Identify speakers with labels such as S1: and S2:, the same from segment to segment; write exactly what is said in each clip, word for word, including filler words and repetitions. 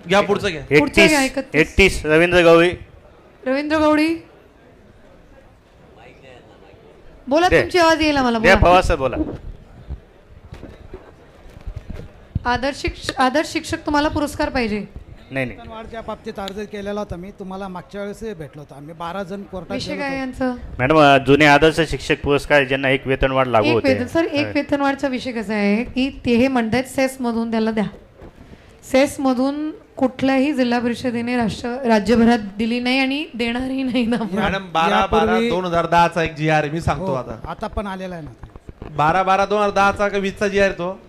S1: घ्या पुढचं घ्या.
S2: पुढचं घ्या.
S3: एकतीस एकतीस रवींद्र गवळी.
S2: रवींद्र गवळी बोला,
S3: दे.
S2: तुमची आवाज येईल मला.
S3: द्या
S2: बोला.
S3: पवार सर बोला.
S2: आदर्श शिक्ष- आदर्श शिक्षक तुम्हाला पुरस्कार पाहिजे.
S3: नाही नाही
S4: वेतनवाढच्या बाबतीत अर्ज केलेला होता मी तुम्हाला मागच्या वेळेस भेटलो होतो आम्ही बारा जण कोर्टात
S2: विषय
S4: गेलो
S2: काय
S4: होतो.
S2: यांचं?
S3: मॅडम जुने आदर्श शिक्षक पुरस्कार ज्यांना एक वेतनवाढ लागू
S2: एक
S3: होते.
S2: वेतन सर एक वेतनवाढचा विषय कसा आहे की ते हे म्हणतात सेस मधून त्याला द्या. सेस मधून कुठल्याही जिल्हा परिषदेने राष्ट्र राज्यभरात दिली नाही आणि देणारही नाही ना.
S1: मॅडम बारा बारा
S4: यापूर्वी-
S1: दोन हजार दहाचा एक जी आर मी सांगतो
S4: हो,
S1: आता.
S4: आता पण आलेला आहे ना.
S1: बारा बारा दोन हजार दहाचा का वीसचा जी आर तो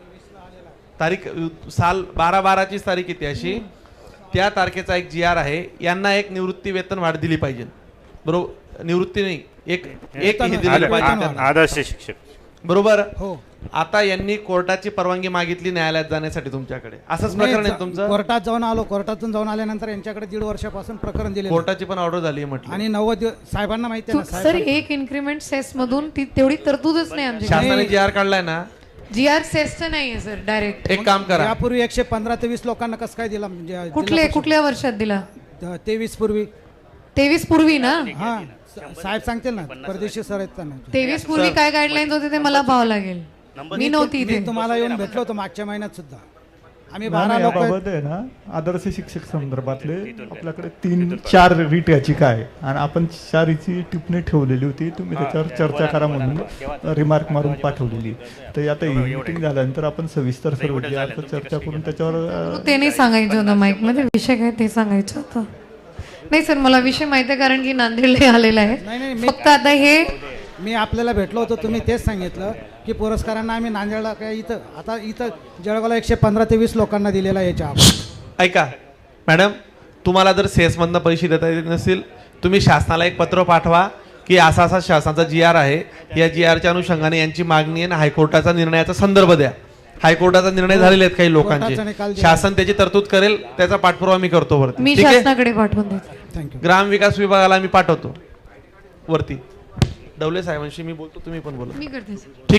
S1: तारीख अ, साल बारा बाराचीच तारीख येते अशी. त्या तारखेचा एक जी आर आहे. यांना एक निवृत्ती वेतन वाढ दिली पाहिजे. बरोबर, निवृत्ती नाही, एक एक हे दिली
S4: वेतन
S1: पाहिजे
S4: वाढ.
S1: त्यांना.
S3: आदर्श शिक्षक.
S1: बरोबर.
S4: हो,
S1: आता यांनी कोर्टाची परवानगी मागितली न्यायालयात जाण्यासाठी तुमच्याकडे. असंच प्रकरण आहे तुमचं.
S4: कोर्टात जाऊन आलो. कोर्टातून जाऊन आल्यानंतर यांच्याकडे दीड वर्षापासून प्रकरण दिले
S1: कोर्टाची पण ऑर्डर झाली म्हटलं.
S4: आणि नव्वद दिवस साहेबांना माहिती आहे
S2: तू-
S4: ना
S2: सर
S4: साहेब.
S2: एक इन्क्रीमेंट सेस मधून ती तेवढी तरतूदच नाही आमच्या.
S1: शासनाने जी आर काढलाय ना.
S2: जी आर सेसचं नाहीये सर डायरेक्ट.
S1: एक काम करा,
S4: यापूर्वी एकशे पंधरा ते वीस लोकांना कसं काय दिला म्हणजे
S2: कुठले कुठल्या वर्षात दिला?
S4: तेवीस पूर्वी.
S2: तेवीस पूर्वी ना.
S4: हा सा- साहेब सांगतील ना परदेशी सर आहेत त्यांना.
S2: तेवीस पूर्वी काय गाईडलाईन्स होते ते मला पाहावं लागेल. मी नव्हती इथे.
S4: मी तुम्हाला येऊन भेटलो होतो मागच्या महिन्यात सुद्धा. आम्ही बारा
S5: नाही,
S4: लोक
S5: याबाबत आहे ना आदर्श शिक्षक संदर्भातले आपल्याकडे तीन चार रीट याचिका आहे आणि आपण चारीची टिप्पणी ठेवलेली होती. तुम्ही त्याच्यावर चर्चा करा म्हणून रिमार्क मारून पाठवलेली. तर आता ही मीटिंग झाल्यानंतर आपण सविस्तर सर्व जे आहे ते चर्चा करून त्याच्यावर अ,
S2: ते नाही सांगायचं होतं माईक मध्ये. विषय काय ते सांगायचं होतं. नाही सर मला विषय माहिती आहे कारण की नांदेडला आलेला
S4: नाही, नाही,
S2: आहे.
S4: मी-
S2: फक्त आता हे
S4: मी आपल्याला भेटलो होतो. तुम्ही तेच सांगितलं की पुरस्कारांना आम्ही नांदेडला काय इथं आता इथं जळगावला एकशे पंधरा ते वीस लोकांना दिलेला आहे याच्या अगोदर.
S1: ऐका मॅडम, तुम्हाला जर सेसमधनं पैसे देता येत नसतील तुम्ही शासनाला एक पत्र पाठवा की असा असा शासनाचा जी आर आहे. या जी आरच्या अनुषंगाने यांची मागणी आहे आणि हायकोर्टाचा निर्णयाचा संदर्भ द्या. हायकोर्टाचा निर्णय झालेले आहेत काही
S4: कोर्टाचा निकाल
S1: लोकांचे.
S4: दिला.
S1: शासन त्याची तरतूद करेल, त्याचा पाठपुरावा मी करतो वरती.
S2: मी
S1: ठीक आहे.
S2: शासनाकडे पाठवून देते.
S4: थँक्यू.
S1: ग्रामविकास विभागाला मी पाठवतो वरती. डवले साहेबांशी मी बोलतो, तुम्ही पण बोला.
S2: मी करते सर.
S1: ठीक.